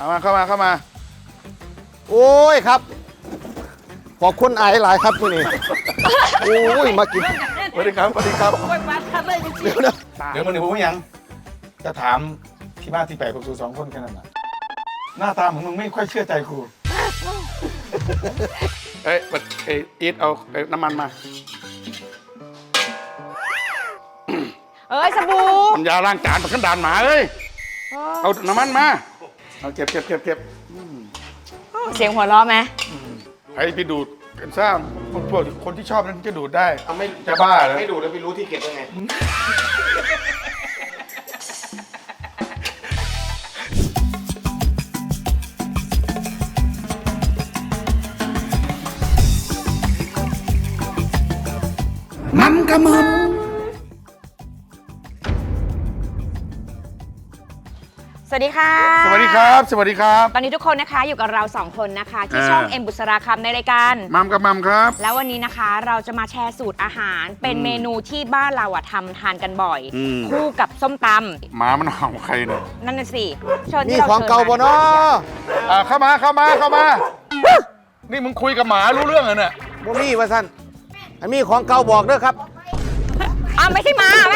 เข้ามาโอ้ยครับขอบคุณไอ้หลายครับนี่โอ้ยมากินสวัสดีครับโอ้ยมาทันเลยจริงเดี๋ยวนะเดี๋ยวมันผมยังจะถามที่มาที่ไปของสูสองคนแค่นั้นน่ะหน้าตาของมึงไม่ค่อยเชื่อใจกูเอ้ยอีทเอาน้ำมันมาเอ้ยสบู่มันยาล้างจานมันขันดานหมาเอ้ยเอาน้ำมันมาเอาเก็บเสียงหัวเราะไหมไอ้พี่ดูดกันซ่าพวกคนที่ชอบนั้นจะดูดได้ไม่จะบ้าเลยไม่ดูดแล้วพี่รู้ที่เก็บยังไงมัมกะมัมสวัสดีค่ะสวัสดีครับตอนนี้ทุกคนนะคะอยู่กับเรา2คนนะคะที่ช่องเอ็มบุษราคำในรายการมัมกะมัมครับแล้ววันนี้นะคะเราจะมาแชร์สูตรอาหารเป็นเมนูที่บ้านเราทำทานกันบ่อย คู่กับส้มตำหมามันเห่าใครเนี่ยนั่นน่ะสิเชิญนี่ที่เราของเก่าบ่เนาะเข้ามานี่มึงคุยกับหมารู้เรื่องเหรอเนี่ยบ่มีว่าซั่นอันนี้ของเก่าบอกเด้อครับไม่ใช่หมาแม่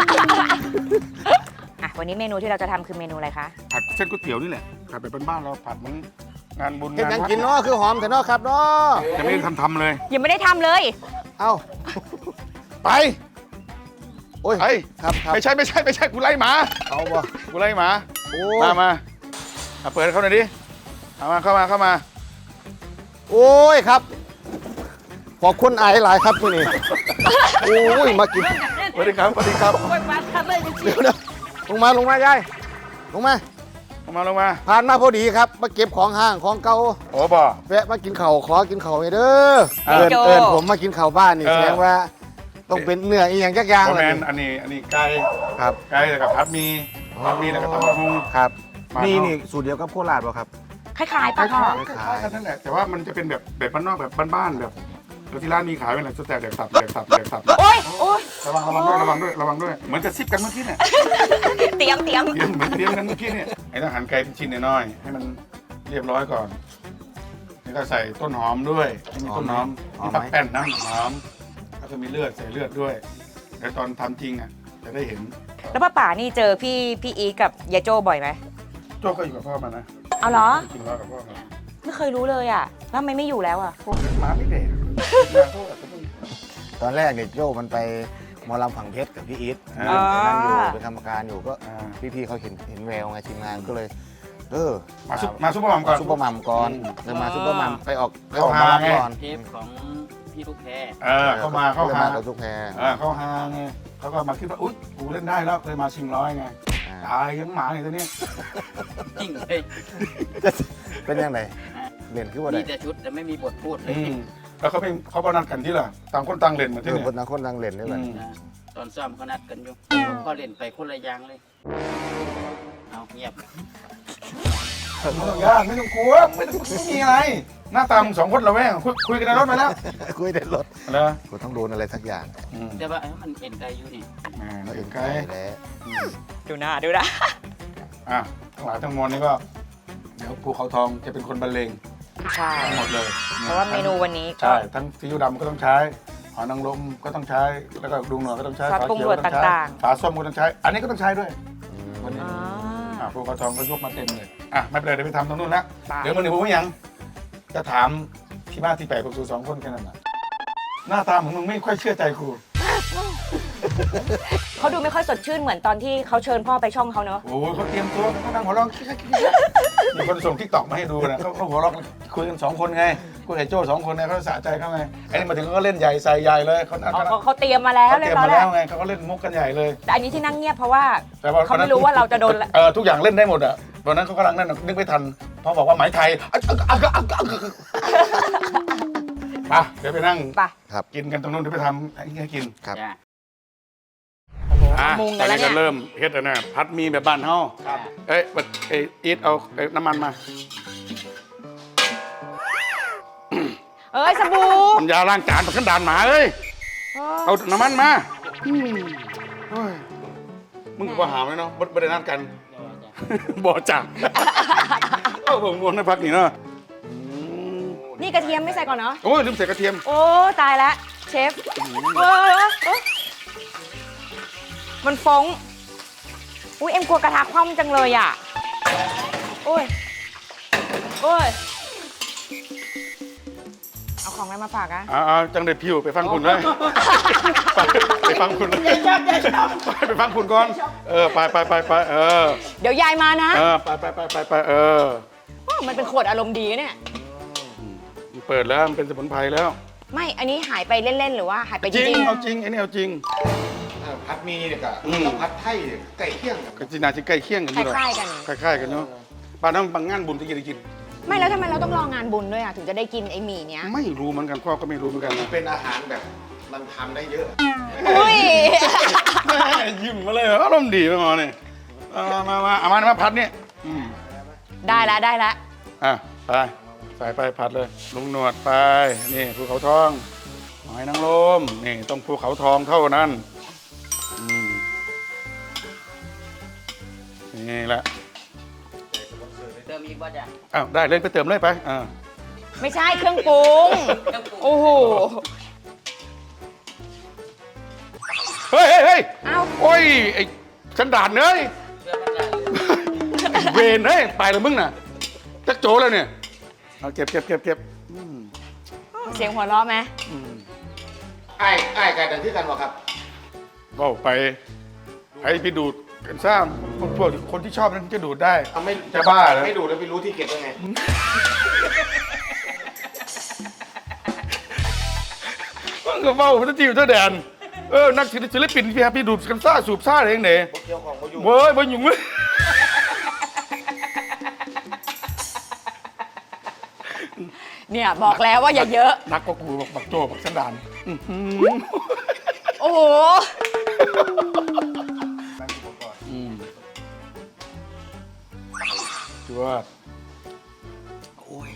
วันนี้เมนูที่เราจะทำคือเมนูอะไรคะผัดเส้นก๋วยเตี๋ยวนี่แหละผัดแบบบ้านๆเราผัดเหมือนงานบุญเฮ็ดหยังวัดกินเนาะคือหอมแต่เนาะครับเนาะจะไม่ได้ทำเลยยังไม่ได้ทำเลยเอ้าไปโอ้ยไอ้ครับไม่ใช่กูไล่หมาเอาบ่กูไล่หมาโอ้มาเปิดเขาหน่อยดิเข้ามาโอ้ยครับขอบคุณไอ้หลายครับนี่โอ้ยมากินสวัสดีครับโอ้ยมาทันเลยจริงเดี๋ยวนะลงมายายลงมาลงมาผ่านมาพอดีครับมาเก็บของห้างของเก่าโอ้บ่แวะมากินข้าวขอกินข้าวให้เด้อเอิญผมมากินข้าวบ้านนี่แสดงว่าต้องเป็นเนื้ออีหยังจักอย่างคอมเลเมยนต์อันนี้ไก่ครับแล้วกับพัดมีแล้วก็ตำบักหุ่งครับบ้านนี่สูตรเดียวกับโคราชป่ะครับคล้ายๆคปะล้าพ่อยๆกันนั่นแหละแต่ว่ามันจะเป็นแบบบ้านนอกแบบบ้านๆแบบแล้วที่ร้านมีขายเป็นอะไรสแต็กแดกตับโอ้ยระวังด้วยเหมือนจะซิบกันเมื่อกี้เนี่ยเตรียมเหมือนเตรียมกันเมื่อกี้เนี่ยไอ้ต้องหั่นไก่เป็นชิ้นน้อยๆให้มันเรียบร้อยก่อนแล้วก็ใส่ต้นหอมด้วยมีต้นหอมมีผักแป้นน้ำหอมแล้วก็มีใส่เลือดด้วยเดี๋ยวตอนทำจริงจะได้เห็นแล้วป้าป๋านี่เจอพี่อีกับยายโจ้บ่อยไหมโจ้ก็อยู่กับพ่อมานะเอาเหรอกินเหล้ากับพ่อมาไม่เคยรู้เลยแล้วทำไมไม่อยู่แล้วพวกหมาไม่เด็กตอนแรกเนี่ยโจ้มันไปหมอลำฝั่งเพชรกับพี่อีทนั่งอยู่เป็นกรรมการอยู่ก็พี่เขาเห็นแววไงทีมงานก็เลยมาซุปเปอร์มัมก่อนซุปเปอร์มัมก่อนเลยมาซุปเปอร์มัมไปออกมาก่อนเทปของพี่ลูกแพรเข้ามากับทุกแพรเขาหาไงเขาก็มาคิดว่าอุ๊ยกูเล่นได้แล้วเคยมาชิงร้อยไงตายยังหมาอย่างตัวนี้จริงเลยเป็นยังไงเล่นคือว่ามีได้แต่ชุดแต่ไม่มีบทพูดเลยแล้วเขานัดกันที่ล่ะต่างคนต่างเล่นมาที่นี่คนต่างคนต่างเล่นด้วยกันตอนซ้อมเขานัดกันอยู่ผมก็เล่นไปคนละอย่างเลย เอาเงียบไม่ต้องยากไม่ต้องกลัวไม่มีอะไรหน้าตามึงสองคนเราแม่งคุยกันในรถมาแล้วคุยในรถแล้วกูต้องโดนอะไรสักอย่างแต่ว่ามันเอ็นไกอยู่นี่เราเห็นไกลแล้วดูหน้าทั้งหลายทั้งมวลนี่ก็เดี๋ยวภูเขาทองจะเป็นคนบรรเลงใช่ทั้งหมดเลยเพราะว่าเมนูวันนี้ก็ใช่ทั้งซีอิ๊วดำก็ต้องใช้หอยนางรมก็ต้องใช้แล้วก็ดุงหน่อยก็ต้องใช้ซอสปรุงรสต่างๆฝาส้มก็ต้องใช้ อันนี้ก็ต้องใช้ด้วยวันนี้อ๋อภูเขาทองก็ยกมาเต็มเลยไม่เป็นไรเดี๋ยวไปทำตรงนู้นละไปเดี๋ยวมันผมยังจะถามที่บ้านที่แปลกของสูสองคนแค่นั้นน่ะหน้าตาของมึงไม่ค่อยเชื่อใจกูเขาดูไม่ค่อยสดชื่นเหมือนตอนที่เขาเชิญพ่อไปช่องเขาเนอะโอ้ยเขาเตรียมตัวเขานั่งหัวเราะมีคนส่งทิกตอกมาให้ดูนะเขาหัวเราะคุยกัน2 คนไงคุยกับโจ้2 คนไงเขาสะใจเขาไงไอ้นี่มาถึงเขาก็เล่นใหญ่ใส่ใหญ่เลยเขาเขาเตรียมมาแล้วเตเรีรียยบมร้อยมาแล้แล้ว วไงเขาก็เล่นมุกกันใหญ่เลยแต่อันนี้ที่นั่งเงียบเพราะว่าแต่ว่าเขาไม่รู้ว่าเราจะโดนทุกอย่างเล่นได้หมดอ่ะตอนนั้นเขากำลังนั่นนึกไม่ทันเพราะบอกว่าหมายไทยมาเดี๋ยวไปนั่งไปครับกินกันตรงนู้นเดี๋ยวไปทำให้กินครับจ้ะมุงตกัอน นแล้วนี้เนี่ก็ยเริ่มเฮ็ดแล้วนะพัดมีแบบบ้านเฮาอีทเอาน้ำมันมาเอ้ยสบู่มันยาล้างจานมันขันดานหมาเอ้ยเอาน้ำมันมาโอ้ยมึงก็หาไหมเนาะบ่ได้นัดกัน บ่จ้ะผมงวงในพักนี่เนาะนี่กระเทียมไม่ใส่ก่อนเนาะโอ้ยลืมใส่กระเทียมโอ้ตายแล้วเชฟเออมันฟ้องอุ้ยเอ็มกลัวกระทะคว่ำจังเลยอ่ะโอ้ยโอ้ยเอาของอะไรมาฝากอะจังเด็ดผิวไปฟังคุณเลยไปฟังคุณเลย ไปฟังคุณก่อนไปเดี๋ยวยายมานะไปมันเป็นขวดอารมณ์ดีเนี่ยเปิดแล้วมันเป็นสมุนไพรแล้วไม่อันนี้หายไปเล่นๆหรือว่าหายไปจจริริงงเอาจริงไอ้นี่เอาจริงพัดมีเนี่ยกับพัดไทยเนี่ยไก่เคี่ยงกันก็จีนาที่ใกล้เคียงกันๆคอยู่หรอล้ายๆกันคล้ายๆกันเนาะบ้านน้ำบางงานบุญที่กินได้กินไม่แล้วทำไมเราต้องรองานบุญด้วยอ่ะถึงจะได้กินไอ้หมี่เนี้ยไม่รู้เหมือนกันพ่อก็ไม่รู้เหมือนกันนะเป็นอาหารแบบมันทำได้เยอะอุ้ยแม่ยิ้มมาเลยอารมณ์ดีไปหมอเนี่ยมาพัดเนี่ยได้แล้วอ่ะไปใส่ไปผัดเลยลุงหนวดไปนี่ภูเขาทองหอยนางรมนี่ต้องภูเขาทองเท่านั้นนี่แหละเติมอีกบ่จ้ะอ้าวได้เล่นไปเติมเลยไปไม่ใช่เครื่องปรุง โอ้โหเฮ้ยเอ้าโอ้ยไอ้ฉันด่านเนยเติมมันจ้ะเวนเฮ้ยไปเลยมึงน่ะจักโจแล้วเนี่ยเอาเก็บเสียงหัวเราะไหมไอ้ไก่ดังที่กันวะครับก็ไปให้พี่ดูดกันซ่าพวกคนที่ชอบนั้นจะดูดได้เอาไม่จะบ้าเหรอไม่ดูแล้วไปรู้ที่เก็บยังไงมันก็เมาพันทีอยู่เท่าแดนนักศิลปินพี่ดูดกันซ่าสูบซ่าอะไรอย่างเนี้ยเกี่ยวของมาอยู่เว้ยบ่ยุ่งเลยเนี่ยบอกแล้วว่าอย่าเยอะนักก็กูบักโจบักสันดานโอ้โหจวดโอ้ย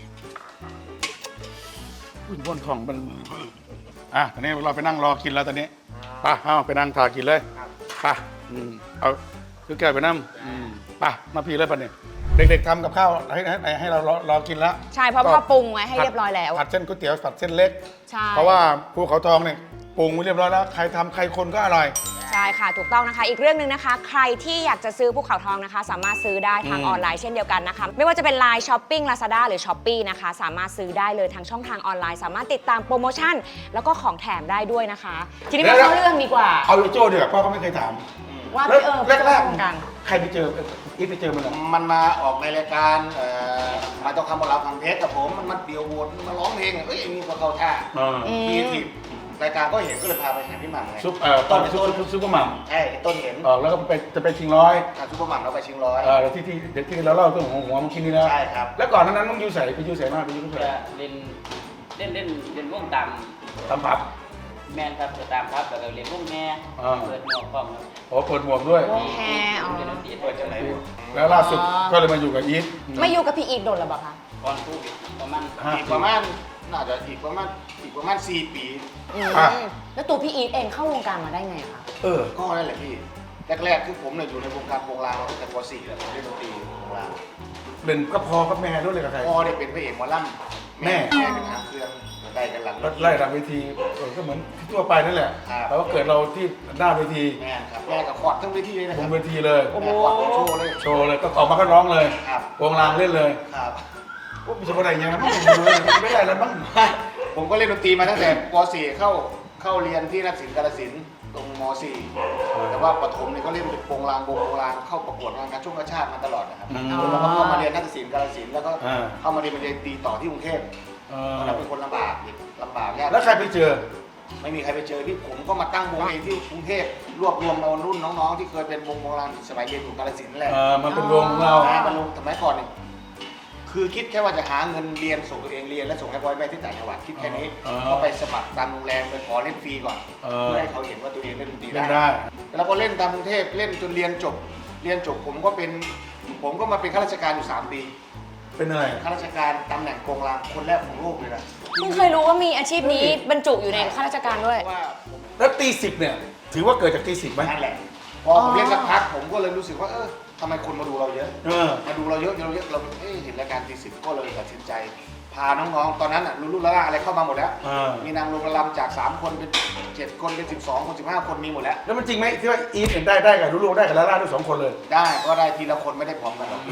บนของมันตอนนี้เราไปนั่งรอกินแล้วตอนนี้ไปเอาไปนั่งทากินเลยไปเอาคือแก้วไปนั่งไปมาพี่เลยป่ะเนี่ยเด็กๆทำกับข้าวให้เรารอกินแล้วใช่เพราะพ่อปรุงไว้ให้เรียบร้อยแล้วผัดเส้นก๋วยเตี๋ยวผัดเส้นเล็กใช่เพราะว่าภูเขาทองเนี่ยปรุงไว้เรียบร้อยแล้วใครทำใครคนก็อร่อยใช่ค่ะถูกต้องนะคะ อีกเรื่องหนึ่งนะคะ ใครที่อยากจะซื้อภูเขาทองนะคะ สามารถซื้อได้ทางออนไลน์เช่นเดียวกันนะคะ ไม่ว่าจะเป็น Line Shopping Lazada หรือ Shopee นะคะ สามารถซื้อได้เลยทางช่องทางออนไลน์ สามารถติดตามโปรโมชั่น แล้วก็ของแถมได้ด้วยนะคะ ทีนี้มาเข้าเรื่องดีกว่าเอาไอ้โจ้เดี๋ยวพ่อก็ไม่เคยถามว่าพี่แรกวงการใครไปเจออีฟไปเจอมันเหรอมันมาออกในรายการมาเจ้าคำบอกเราฟังเพชรกับผมมันมาเดียวโหวตมาร้องเพลงเอ้ยไอ้นี่ก็เข้าท่าทีทีรายการก็เห็นก็เลยพาไปหาพี่หม่ำไงต้นซุปเปอร์มัมใช่ไอ้ต้นเห็นแล้วก็จะไปชิงร้อยการซุปเปอร์หม่ำเราไปชิงร้อยที่เราเล่าเรื่องของหัวมันคิดนี่นะใช่ครับแล้วก่อนนั้นต้องยูใส่ไปยูใส่มากไปยูใส่จะเล่นวงตามตำผับแมนครับจะตามครับแล้วก็เล่นวงแม่เปิดหมวกพร้อมครับโอ้เปิดหมวกด้วยวงแฮอ๋อเล่นดนตรีเปิดจากไหนวะแล้วล่าสุดก็เลยมาอยู่กับอีฟไม่อยู่กับพี่อีกโดนหรือเปล่าคะก่อนโควิดประมาณอีกประมาณน่าจะอีกประมาณ4 ปีแล้วตัวพี่อีทเองเข้าวงการมาได้ไงคะก็นั่นแหละพี่แรกๆคือผมเนี่ยอยู่ในวงการโปงลางมาตั้งแต่ป .4 แล้วผมเล่นดนตรีโปงลางเล่นก็พอกับแม่ด้วยเลยกับใครพ่อเนี่ยเป็นพระเอกหมอลำแม่เป็นหางเครื่องได้กันหลังไล่หลังเวทีก็เหมือนที่ทั่วไปนั่นแหละแต่ว่าเกิดเราที่หน้าเวทีแม่ครับแม่กับขอดทั้งเวทีเลยนะบครันบเวทีเลยแม่ขอดโชว์เลยโชว์เลยก็ออกมาก็ร้องเลยครับวงรางเล่นเลยครับโอ้มีสมบัติอย่างนั้นไม่ได้แล้วมั้งผมก็เล่นดนตรีมาตั้งแต่ป .4 เข้าเรียนที่นักศิลป์กาฬสินธุ์ตรงม .4 แต่ว่าประถมเนี่ยก็เล่นเป็นโปงลางเข้าประกวดงานการช่วงกระชาติมาตลอดนะครับแล้วก็เข้ามาเรียนนักศิลป์กาฬสินธุ์แล้วก็เข้ามาเรียนปริญญาตรีต่อที่กรุงเทพตอนนั้นเป็นคนลำบากยากแล้วใครไปเจอไม่มีใครไปเจอที่ผมก็มาตั้งวงเองที่กรุงเทพรวบรวมเอารุ่นน้องๆที่เคยเป็นวงโบราณสมัยเรียนอยู่กาฬสินธุ์แหละมันเป็นวงของเรามันลงสมัยก่อนเนี่ยคือคิดแค่ว่าจะหาเงินเรียนส่งตัวเองเรียนและส่งให้พ่อแม่ที่ต่างจังหวัดคิดแค่นี้ก็ไปสมัครตามโรงแรมไปขอเล่นฟรีก่อนเพื่อให้เขาเห็นว่าตัวเองเล่นดนตรีเล่นได้ได้แล้วพอเล่นตามกรุงเทพเล่นจนเรียนจบผมก็มาเป็นข้าราชการอยู่3 ปีเป็นอะไรข้าราชการตำแหน่งกองรางคนแรกของโลกเลยนะเพิ่งเคยรู้ว่ามีอาชีพนี้บรรจุอยู่ในข้าราชการด้วยเพราะว่าผมแล้วตี10เนี่ยถือว่าเกิดจากตี10ไหมนั่นแหละพอผมเล่นสักพักผมก็เลยรู้สึกว่าททำไมคนมาดูเราเยอะ มาดูเราเยอะเราเห็นรายการตีสิบก็เลยตัดสินใจ พาน้องๆตอนนั้นลูกๆละอะไรเข้ามาหมดแล้วมีนางลงระลำจาก3คนเป็น7คนเป็น12คน15คนมีหมดแล้วแล้วมันจริงไหมที่ว่าอีฟเห็นได้กับลูกๆได้กับลาล่าด้วย2 คนเลยได้ก็ได้ทีละคนไม่ได้พร้อมกันหรอก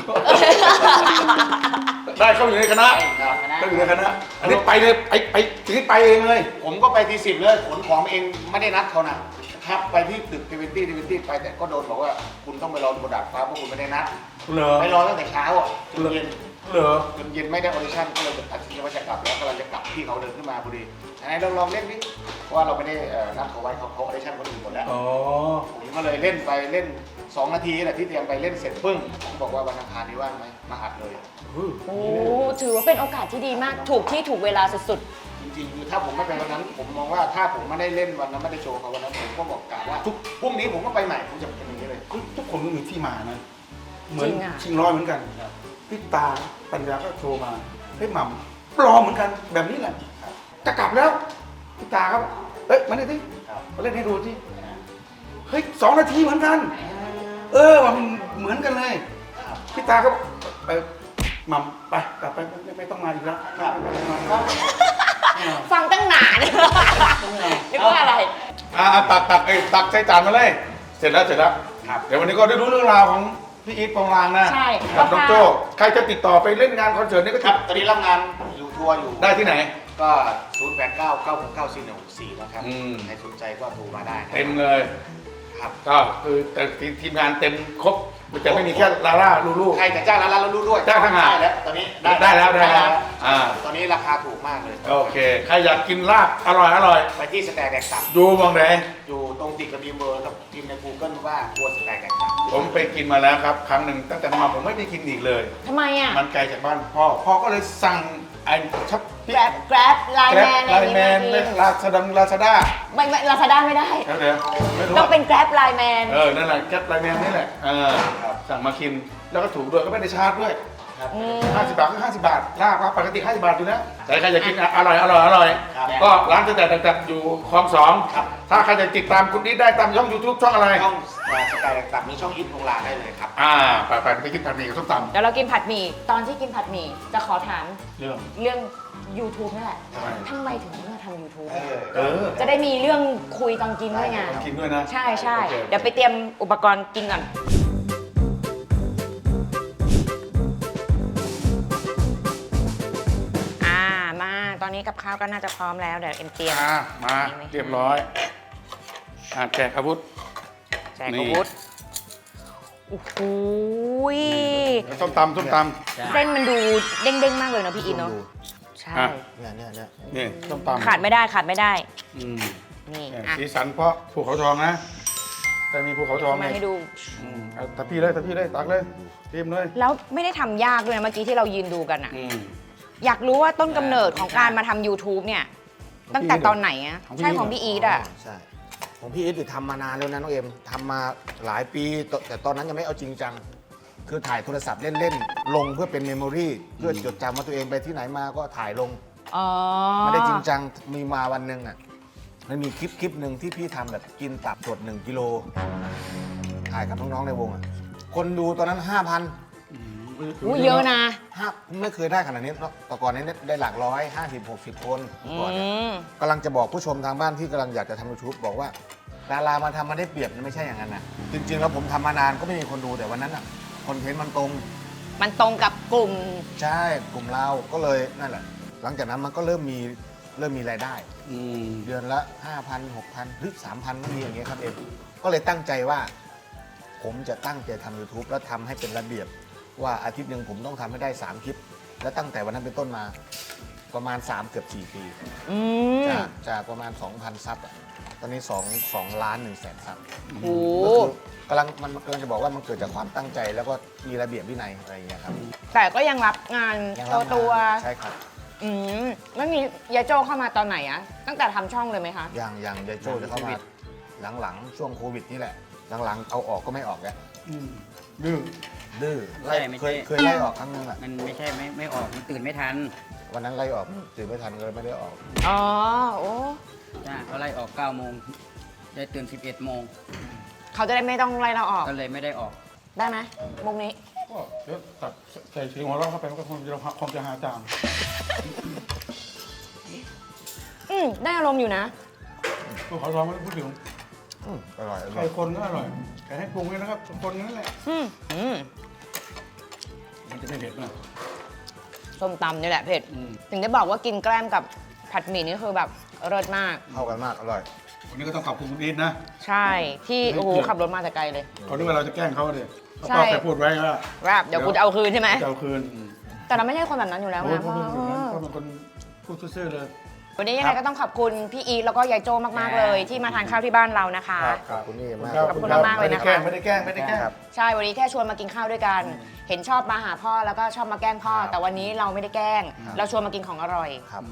ได้เข้าอยู่ในคณะครับเข้าอยู่ในคณะอันนี้ไปเลยไปทีนี้ไปเองเลยผมก็ไปทีสิบเลยขนของเองไม่ได้นัดเขานะครับไปที่ตึก20ไปแต่ก็โดนบอกว่าคุณต้องไปรอบนดาดฟ้าเพราะคุณไม่ได้นัดเหรอไปรอตั้งแต่เช้าอ่ะจนเย็นเหรอจนเย็นไม่ได้ออดิชั่นก็เลยตัดสินใจว่าจะกลับแล้วกำลังจะกลับพี่เขาเดินขึ้นมาพอดีไหนเราลองเล่นดิเพราะว่าเราไม่ได้นัดเขาไว้เขาออดิชั่นคนอื่นหมดแล้วอ๋อผมก็เลยเล่นไปเล่น2 นาทีแหละที่เตรียมไปเล่นเสร็จปึ้งผมบอกว่าวันอังคารนี้ว่างไหมมาอัดเลยโอ้ถือว่าเป็นโอกาสที่ดีมากถูกที่ถูกเวลาสุดจริงๆคือถ้าผมไม่ไปวันนั้น ผมมองว่าถ้าผมไม่ได้เล่นวันนั้นไม่ได้โชว์เขาวันนั้นผมก็บอกกะว่าพรุ่งนี้ผมก็ไปใหม่ผมจะเป็นอย่างนี้เลยทุกคนมีที่มานะเหมือนชิงร้อยเหมือนกันพี่ตาปัญญาก็โชว์มาเฮ้ยหม่ำปลอมเหมือนกันแบบนี้แหละจะกลับแล้วพี่ตาครับเฮ้ยมาเล่นดิมาเล่นให้ดูสิเฮ้ย2 นาทีเหมือนกันมันเหมือนกันเลยพี่ตาก็ไปหม่ำไปกลับไปไม่ต้องมาอีกแล้วๆ ฟังตั้งนานนึกว่าอะไรตักใส่จานมาเลย เสร็จแล้วครับเดี๋ยววันนี้ก็ได้รู้เรื่องราวของพี่อีทปองลางนะใช่กับน้องโจ้ใครจะติดต่อไปเล่นงานคอนเสิร์ตนี่ก็ครับตอนนี้รับงานอยู่ทัวร์อยู่ได้ที่ไหนก็ 0899694164 นะครับอืมใครสนใจก็โทรมาได้นะเต็มเลยครับก็คือแต่ทีมงานเต็มครบมันจะไม่มีแค่ลาล่าลูกใครจะจ้างร้านแล้วรู้ด้วยจ้างทหารได้แล้วตอนนี้ได้แล้วตอนนี้ราคาถูกมากเลยโอเคใครอยากกินลาบอร่อยไปที่สแตกแดกตับดูมองไหนอยู่ตรงติดกับบีมเบอร์กับพิมพ์ใน Google ว่าครัวสแตกแดกตับผมไปกินมาแล้วครับ ครั้งหนึ่งตั้งแต่มาผมไม่ได้กินอีกเลยทำไมอ่ะมันไกลจากบ้านพ่อก็เลยสั่งไอ้ชับ Grab ไลน์แกร็แมบนไลน์แมนลาซาด้าไม่ลาซาด้าไม่ได้เดี๋ยวไม่รู้ต้องเป็น Grab ไลน์แมนนั่นแหละแกร็บไลน์แมนนี่แหละสั่งมากินแล้วก็ถูกด้วยก็ไม่ได้ชาร์จด้วย50 บาทก็50 บาทลาบครับปกติ50 บาทอยู่แล้วแต่ใครอยากกินอร่อยก็ร้านแต่อยู่คลอง 2ถ้าใครจะติดตามคุณนิดได้ตามช่อง YouTube ช่องอะไรช่องสแตกแดกตับมีช่องอินโรงลาได้เลยครับไปกินผัดหมี่กับส้มตำเดี๋ยวเรากินผัดหมี่ตอนที่กินผัดหมี่จะขอถามเรื่องเรื่อง YouTube นั่นแหละทำไมทำไมถึงมาทำ YouTube เออจะได้มีเรื่องคุยตอนกินด้วยไงกินด้วยนะใช่โอเคเดี๋ยวไปเตรียมอุปกรณ์กินก่อน มาตอนนี้กับข้าวก็น่าจะพร้อมแล้ว เดี๋ยวเอ็มเตรียมมาเรียบร้อยแจกอาวุธแจกอาวุธโอ้โหยส้มตำเส้นมันดูเด้งๆ มากเลยเนาะพี่อินเนาะใช่นี่ส้มตำขาดไม่ได้อืมนี่เนี่ยอ่ะสีสันเพราะภูเขาทองนะแต่มีภูเขาทองมาให้ดูเอาตะพี่เลยตักเลยเตรียมเลยแล้วไม่ได้ทำยากด้วยนะเมื่อกี้ที่เรายืนดูกันอะอืมอยากรู้ว่าต้นกำเนิดของการมาทำ YouTube เนี่ย ตั้งแต่ตอนไหนอะของพี่ใช่ของพี่อีทอะใช่ของพี่อีททำมานานแล้วนะน้องเอ็มทำมาหลายปีแต่ตอนนั้นยังไม่เอาจริงจัง คือถ่ายโทรศัพท์เล่นๆ ลงเพื่อเป็นเมมโมรีเพื่อจดจำว่าตัวเองไปที่ไหนมาก็ถ่ายลงอ๋อไม่ได้จริงจังมีมาวันหนึ่งอ่ะมันมีคลิปหนึ่งที่พี่ทำแบบกินตับสด1 กิโลถ่ายกับน้องๆในวงอ่ะคนดูตอนนั้น 5,000 อู้เยอะนะไม่เคยได้ขนาดนี้เนอะแต่ก่อนนี้ได้หลักร้อย50-60 คนก่อนเนี่ยมกำลังจะบอกผู้ชมทางบ้านที่กำลังอยากจะทำ YouTube บอกว่าดารามาทำมาได้เปรียบนะไม่ใช่อย่างนั้นนะจริงๆแล้วผมทำมานานก็ไม่มีคนดูแต่วันนั้นอ่ะคอนเทนต์มันตรงมันตรงกับกลุ่มใช่กลุ่มเราก็เลยนั่นแหละหลังจากนั้นมันก็เริ่มมีรายได้อืมเดือนละ 5,000 6,000 หรือ 3,000ก็มีอย่างเงี้ยครับเองก็เลยตั้งใจว่า ผมจะตั้งใจทำ YouTube แล้วทำให้เป็นระเบียบว่าอาทิตย์หนึ่งผมต้องทำให้ได้3 คลิป และตั้งแต่วันนั้นเป็นต้นมาประมาณ3เกือบ4 ปีอืมจากประมาณ 2,000 ซับอะตอนนี้2 ล้าน 1 แสนซับโอ้ก็คือกำลังจะบอกว่ามันเกิดจากความตั้งใจแล้วก็มีระเบียบวินัยอะไรอย่างเงี้ยครับแต่ก็ยังรับงานยังรับงานตัวใช่ครับแล้วมียายโจเข้ามาตอนไหนอะตั้งแต่ทำช่องเลยไหมคะอย่างยายโจ้จะเข้ามาหลังๆ ช่วงโควิดนี่แหละ หลังๆ เอาออกก็ไม่ออกแล้วดื้อดื้อไม่ใช่เคยไล่ออกครั้งนึงอ่ะมันไม่ใช่ไม่ออกมันตื่นไม่ทันวันนั้นไล่ออกตื่นไม่ทันก็เลยไม่ได้ออกอ๋อ โอ้จ้าเขาไล่ออก9 โมงได้ตื่น 11 โมงเขาจะได้ไม่ต้องไล่เราออกก็เลยไม่ได้ออกได้ไหมมุกนี้ก็เดี๋ยวตัดใส่เสียงหัวเราะเข้าไปมันก็คงจะหาจามได้อารมณ์อยู่นะตัวขอร้องไม่ได้พูดถึงอร่อยอใคร่รอยคนก็อร่อยใครให้ปรุงเลยนะครับคนนั่นแหละอืมมันจะไม่เผ็ดนะส้มตำนี่แหละเผ็ดอืมถึงได้บอกว่ากินแกล้มกับผัดหมี่นี่คือแบบเลิศมากเข้ากันมากอร่อยวันนี้ก็ต้องขอบคุณคุณอีทนะใช่ที่เฮ้ยโอ้โหเกือบขับรถมาแต่ไกลเลยเขาคิดว่าเราจะแกล้งเขาเลยเขาใช่ก็เคยพูดไว้ว่าว่าเดี๋ยวกูจะเอาคืนใช่ไหมจะเอาคืนแต่เราไม่ใช่คนแบบนั้นอยู่แล้วโอ้ยนะเพราะเป็นคนพูดซื่อๆเลยวันนี้ยังไงก็ต้องขอบคุณพี่อีทแล้วก็ยายโจมากๆเลย ที่มาทานข้าวที่บ้านเรานะคะขอบคุณนี่มากขอบคุณมากๆเลยนะคะไม่ได้แกล้งไม่ได้แกล้งครับใช่วันนี้แค่ชวนมากินข้าวด้วยกัน เห็นชอบมาหาพ่อแล้วก็ชอบมาแกล้งพ่อ แต่วันนี้เราไม่ได้แกล้ง เราชวนมากินของอร่อยครับ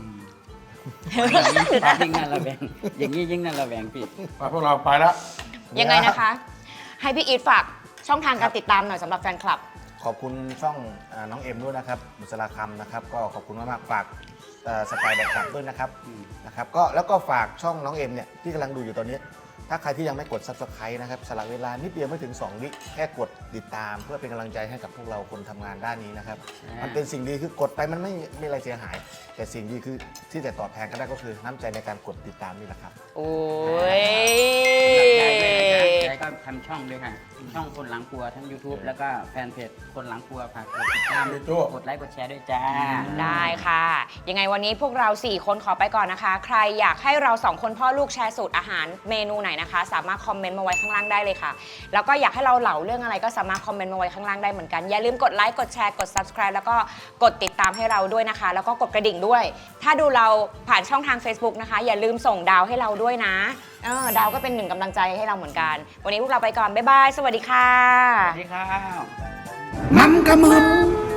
ยิ่งน่าระแวงอย่างนี้ยิ่งน่าระแวงพี่ไปพวกเราไปแล้วยังไงนะคะ ให้พี่อีทฝากช่องทางการติดตามหน่อยสำหรับแฟนคลับขอบคุณช่องน้องเอ็มด้วยนะครับบุษราคำนะครับ ก็ขอบคุณมากๆฝากสไตล์แบบกลับด้วยนะครับนะครับก็แล้วก็ฝากช่องน้องเอ็มเนี่ยที่กำลังดูอยู่ตอนนี้ ถ้าใครที่ยังไม่กด Subscribe นะครับสละเวลานิดเดียวไม่ถึง 2 วิแค่กดติดตาม เพื่อเป็นกำลังใจให้กับพวกเราคนทำงานด้านนี้นะครับ มันเป็นสิ่งดีคือกดไปมันไม่มีอะไรเสียหาย แต่สิ่งดีคือที่จะตอบแทนก็ได้ก็คือน้ำใจในการกดติดตามนี่แหละครับโอ้ยยายด้วยนะยายก็ทำช่องด้วยค่ะช่องคนหลังครัวทั้ง YouTube แล้วก็แฟนเพจคนหลังครัวฝากกดติดตามยายโจ้กดไลค์กดแชร์ด้วยจ้าได้ค่ะ ยังไงวันนี้พวกเรา 4 คนขอไปก่อนนะคะ ใครอยากให้เรา 2 คนพ่อลูกแชร์สูตรอาหารเมนูไหนนะคะ สามารถคอมเมนต์มาไว้ข้างล่างได้เลยค่ะ แล้วก็อยากให้เราเหล่าเรื่องอะไรก็สามารถคอมเมนต์มาไว้ข้างล่างได้เหมือนกัน อย่าลืมกดไลค์ กดแชร์ กด subscribe แล้วก็กดติดตามให้เราด้วยนะคะ แล้วก็กดกระดิ่งด้วย ถ้าดูเราผ่านช่องทาง Facebook นะคะ อย่าลืมส่งดาวให้เราด้วยนะดาวก็เป็นหนึ่งกำลังใจให้เราเหมือนกัน วันนี้พวกเราไปก่อน บ๊ายบาย สวัสดีค่ะสวัสดีครับมันกระมึง